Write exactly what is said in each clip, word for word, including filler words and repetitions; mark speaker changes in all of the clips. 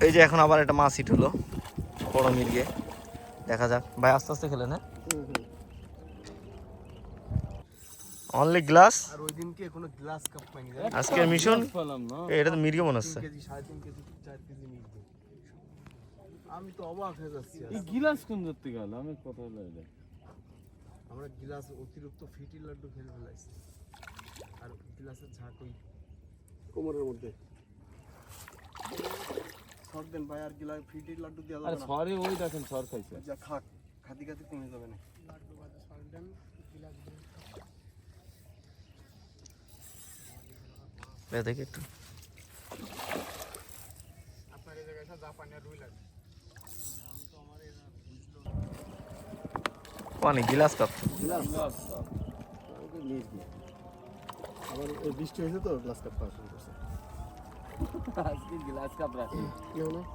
Speaker 1: এই যে এখন আবার একটা মাছ হিট হলো বড় মির্গে, দেখা যাক ভাই আস্তে আস্তে খেলেন। হ্যাঁ অনলি গ্লাস।
Speaker 2: আর ওই দিনকে কোনো গ্লাস কাপ পাইনি।
Speaker 1: আজকের মিশন এটা তো মির্গে মনে হচ্ছে।
Speaker 2: তিন কেজি সাড়ে তিন কেজি চার কেজি মির্গে। আমি তো অবাক হয়ে যাচ্ছি।
Speaker 3: এই গিলাস কোন ধরতে গেল আমি কথা বলে
Speaker 2: আমরা গিলাস অতিরিক্ত ফিটি লাড্ডু খেলে ফেলাইছি। আর গিলাসের ঝাঁক ওই কোমরের মধ্যে সর দেন ভাই। আর গিলাস ফিটি লাড্ডু দেওয়া
Speaker 3: আরে
Speaker 2: যাবে না।
Speaker 3: সরে ওই দেখেন সর খাইছে।
Speaker 2: যা খাক খাতি খাতি কমে যাবে না। লাড্ডু বাজে সর দেন গিলাস দেন।
Speaker 1: বে দেখি একটু
Speaker 2: আপনার এই জায়গায় জাপানি আর রুই লাগে। আমি তো আমার এরা বুঝলো
Speaker 1: পানি গ্লাস কাপ।
Speaker 2: গিলাস ওকে মির্গে। আবার ওই বৃষ্টি হয়েছে তো গ্লাস কাপ পাওয়া শুরু করছে।
Speaker 3: আজকে গ্লাস কাপ রাখি
Speaker 2: কেউ না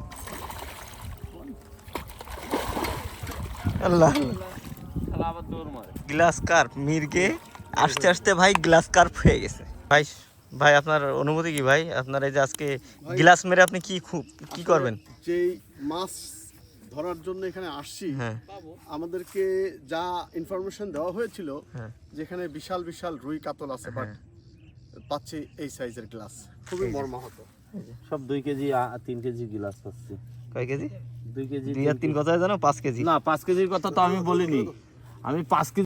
Speaker 1: আল্লাহ
Speaker 3: শালা আবার দৌড় মারে।
Speaker 1: গ্লাস কার্প মির্গে আসতে আসতে ভাই গ্লাস কার্প হয়ে গেছে। ভাই ভাই আপনার অনুমতি কি ভাই? আপনার এই যে আজকে গ্লাস মেরে আপনি কি খুব কি করবেন?
Speaker 2: যেই মাছ ধরার জন্য এখানে আসছি,
Speaker 1: হ্যাঁ
Speaker 2: আমাদেরকে যা ইনফরমেশন দেওয়া হয়েছিল
Speaker 1: হ্যাঁ
Speaker 2: যেখানে বিশাল বিশাল রুই কাতল আছে, বাট পাচ্ছি এই সাইজের গ্লাস। খুবই মর্মাহত।
Speaker 3: সব দুই কেজি তিন কেজি গিলাস পাচ্ছি।
Speaker 1: কয় কেজি?
Speaker 3: দুই কেজি
Speaker 1: দুই আর তিন কথা জানো? পাঁচ কেজি
Speaker 3: না, পাঁচ কেজির কথা তো আমি বলিনি। আমি পাঁচ কেজি